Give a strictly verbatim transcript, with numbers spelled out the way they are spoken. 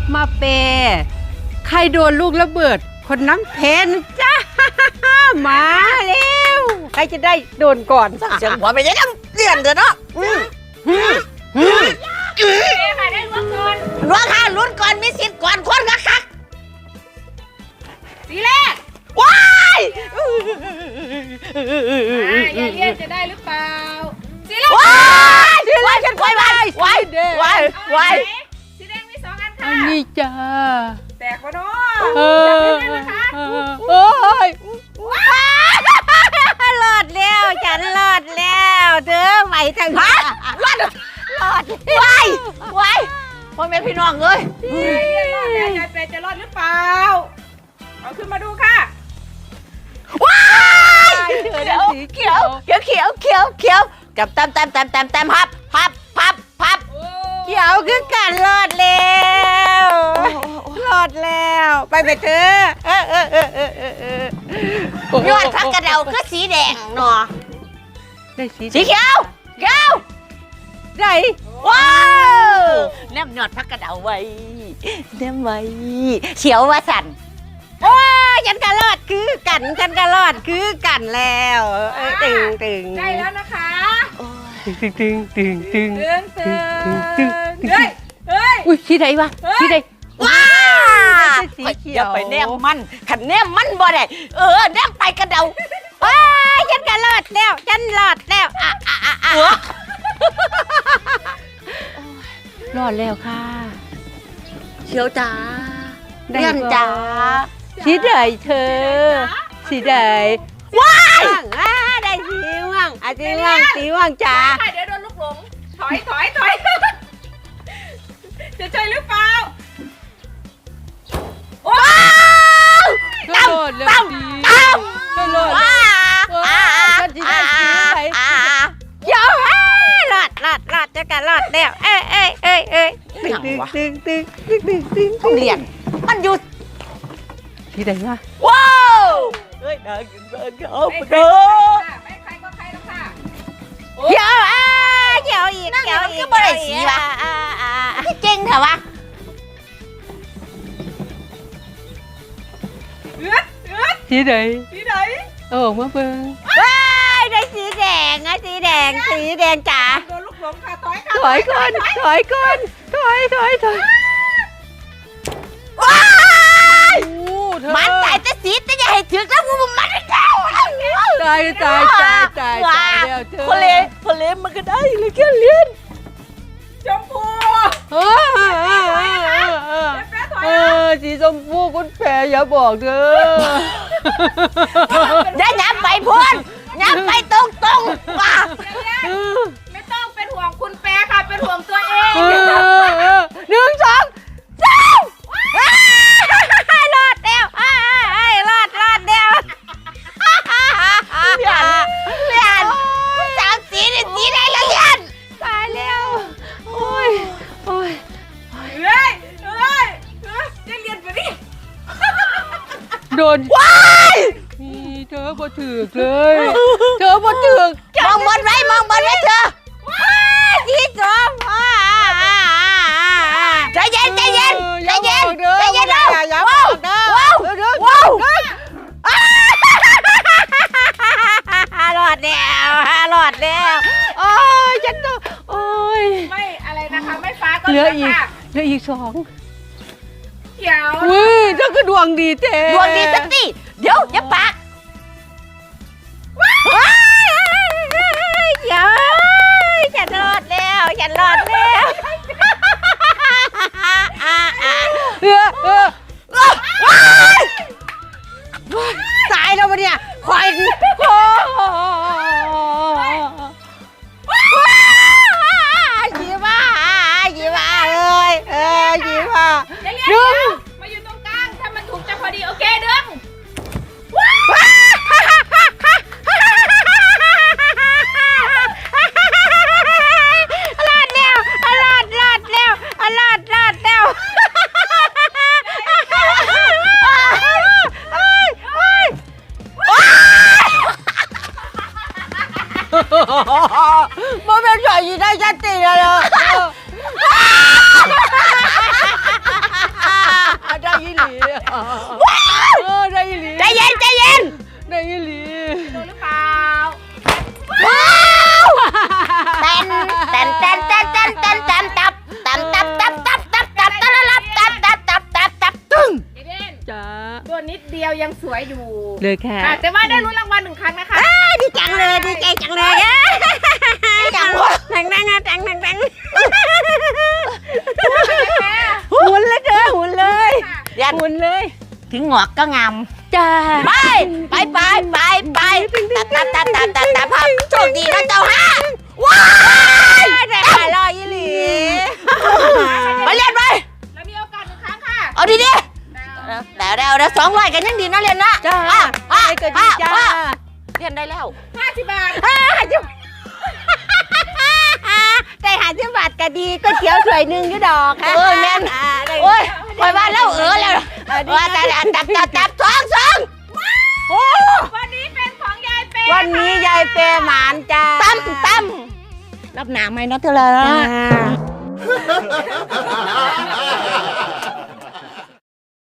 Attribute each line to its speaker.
Speaker 1: มาเปใครโดนลูกระเบิดคนนั้นเพนจ้ามาเร็วใครจะได้โดนก่อน
Speaker 2: เสียงหัวไปยังเลี่ยนเถอะเนาะ
Speaker 3: ใครได้ล้วงก่อน
Speaker 2: ล้วงค่ะลุ้นก่อนมีสิทธิ์ก่อนคนก็คัก
Speaker 3: สีแรก
Speaker 2: ว้าย
Speaker 3: ยายเลี่ยนจะได้หรือเปล่าสีแรก
Speaker 2: ว้ายสีแรกฉันควายวายวายวายวาย
Speaker 3: สีแดงมีสองอันค่ะ
Speaker 1: อันนี้จ้า
Speaker 3: แตกวะเนาะ
Speaker 1: เออโอ้ย
Speaker 2: รอดแล้วฉันรอดแล้วเด้อไหวทางฮะรอดรอดวายวายพ่อแม่พี่น้องเลย
Speaker 3: รอดแล้วยายเปย์จะรอดหรือเปล่าเอาขึ้นมาดูค่ะ
Speaker 2: ว้ายเขียวเขียวเขียวเขียวเขียวเขียวกับแต้มแต้มแต้มแต้มแต้มพับพับพับพับ
Speaker 1: เขียวคือกันรอดแล้วรอดแล้วไปไปเถอะเออเออเออเออเออเออย
Speaker 2: อดพักกระเดาคือสีแดงเนาะ
Speaker 1: ได้สี
Speaker 2: สีเขียวเขียว
Speaker 1: ได้
Speaker 2: ว้าวแนมยอดพักกระเดาไว้แนมไว้เขียวว่าสั่น
Speaker 1: โอ้ยฉันก็รอดคือกันฉันก็รอดคือกันแล้วตึงตึง
Speaker 3: ได้แล้วนะคะ
Speaker 1: ตึงตึงตึงตึง
Speaker 3: ตึงตึงเฮ้ยเฮ้ย
Speaker 1: อุ้ยสีไหนวะสีไหน
Speaker 2: ว้าอย่าไปแนมมันขันแนมมันบ่ได้เออแนมไปกระเดา
Speaker 1: ว้าฉันก็รอดแล้วฉันรอดแล้วอ่ะอ่ะอ่ะอ่ะรอดแล้วค่ะ
Speaker 2: เขียวจ้าเลี่ยนจ้า
Speaker 1: สีใดเธอสีใด
Speaker 2: ว้าย
Speaker 1: ได้สีม่วงอ่ะสีม่วงสีม่วงจ้า
Speaker 3: เดี๋ยวโดนลูกหลงถอยถอยถอยจะใช่หรือเปล่า
Speaker 2: ว้าว
Speaker 1: ตั้มตั้ม
Speaker 2: ตั้ม
Speaker 1: ว้าวสีใดสีใดเดี๋ยวรอดรอดรอดจะกันรอดแล้วเอ้ยเอ้ยเอ้ยเอ้ยตึงตึงตึงตึงตึงตึง
Speaker 2: ต้องเรียนมันหยุด
Speaker 1: ที่ไหนวะ
Speaker 2: ว้าวเฮ้ยน่ากินมากครับเด้อ
Speaker 3: ไม่ใครก็ใครแล้วค่ะ
Speaker 1: เดี๋ยวอ่ะเดี๋ยวอีกเดี๋ยวอีก
Speaker 2: ก็บ่ได้สีวะจริงเหรอวะ
Speaker 3: เอื้อเอื้อ
Speaker 1: สีไหน
Speaker 3: สีไหน
Speaker 1: โอ้มาเบิ่งว้ายได้สีแดงอ่ะสีแดงสีแดงจ๋า
Speaker 3: โดนลูกหลงค่ะถอยค่ะ
Speaker 1: ถอยก่อนถอยก่อนถอยถอยถอย
Speaker 2: ว้าย
Speaker 1: มัน
Speaker 2: ตายแต่สีแต่อย่าให้ถึงแล้วมันมันเจ้า
Speaker 1: ตายตายตายตายตายแล้วเธอ
Speaker 2: พอเลพอเลมันก็ได้เลยแค่เลี้ยน
Speaker 3: ชมพู
Speaker 1: เออเออสีชมพูคุณแพรอย่าบอกเธอ
Speaker 2: อย่าย้ำไปพูนย้ำไปตรงตรงว่า
Speaker 3: ไม่ต้องเป็นห่วงคุณแปรค่ะเป็นห่วงตัวเอง
Speaker 1: หนึ่งสองสามรอดแล้วรอดรอดแล้ว
Speaker 2: เลียนเลียนสามสีนี่สีได้แล้วเลียน
Speaker 1: ตายแล้วโอ้ยโอ้ย
Speaker 3: เฮ้ยเฮ้ยจะเรียนไปดิ
Speaker 1: โดน
Speaker 2: ว้าย
Speaker 1: เธอบ่ถึกเลยเธอบ่ถึก
Speaker 2: มองบนไว้มองบนไว้เธอ
Speaker 1: สีส้ม
Speaker 2: ใจเย็นใจเย็นใจเย็นใจเย็น
Speaker 1: อย่าว้าว
Speaker 2: ว้าวว้าว
Speaker 1: รอดแล้วรอดแล้วโอ้ยฉันต้องโอ้ย
Speaker 3: ไม่อะไรนะคะไม่ฟ้าก็
Speaker 1: เหลืออีกเหลืออีกสอง
Speaker 3: เขียว
Speaker 1: อุ้ยเธอก็ดวงดีเจ๊
Speaker 2: ดวงดีสักทีเดี๋ยวอย่าปาก
Speaker 1: เดี๋ยวฉันรอดแล้วฉันรอดแล้วเออเออตายแล้ววะเนี่ยคอยโอ้ยี่ว่ายี่ว่าเลยเออยี่ว่า
Speaker 3: ดึงมาอยู่ตรงกลางถ้ามันถูกจะพอดีโอเคดึง
Speaker 1: รอดแล้วรอดรอดแล้วรอดรอดแล้วเออได้อีหลี
Speaker 2: ใจเย็นใจเย็น
Speaker 1: ได้อีหลี
Speaker 3: โดนหรือเปล่า
Speaker 2: ว้าวเต้นเต้นเต้นเต้นเต้นเต้นตับตับตับตับตับตับตับตับตับตับตับตับตับตับตับตึ้ง
Speaker 3: เจเด่น
Speaker 1: จ้า
Speaker 3: ตัวนิดเดียวยังสวยอยู่
Speaker 1: เลยค่ะ
Speaker 3: ค่ะแต่ว่าได้ลุ้นรางวัลหนึ่งครั้งนะคะ
Speaker 1: ดีจังเลยดีใจจังเลยอ่ะจังดังดังดังดังดังหุ่นเลยเด้อหุ่นเลย
Speaker 2: ยัน
Speaker 1: หุ่นเลย
Speaker 2: ถึงหงอกก็งาม
Speaker 1: จ้า
Speaker 2: ไปไปไปไปไปตับตับตับตับตับตับโชคดีนะเจ้าฮะว้าย
Speaker 1: ได้หายลอยอีหลี
Speaker 2: ไปเรียนไป
Speaker 3: แล้วมีโอกาสหนึ่งครั้งค่ะ
Speaker 2: เอาดีดิเดี๋ยวเดี๋ยวเดี๋ยวสองร้อยกันยังดีนะเรียนนะ
Speaker 1: จ้า
Speaker 2: อ่ะอ่ะ
Speaker 1: ไปเกิดดีจ้า
Speaker 2: อ่ะเรียนได้แล้ว
Speaker 3: ห้าสิบบาท
Speaker 1: ได้หาสิบบาทก็ดีก็เขียวสวยหนึ่งอยู่ดอกค่ะ
Speaker 2: เออแม่น
Speaker 1: อ่าได้
Speaker 2: โอ้ยคอยว่าแล้วเออแล้วว่าแต่ตับตับตับสองสอง
Speaker 1: โอ้
Speaker 3: วันนี้เป็นของยายเปย์
Speaker 1: วันนี้ยายเปย์หมานจ้า
Speaker 2: ตั้มตั้มรับหนาไหมเนาะเธอเลย
Speaker 1: จ้า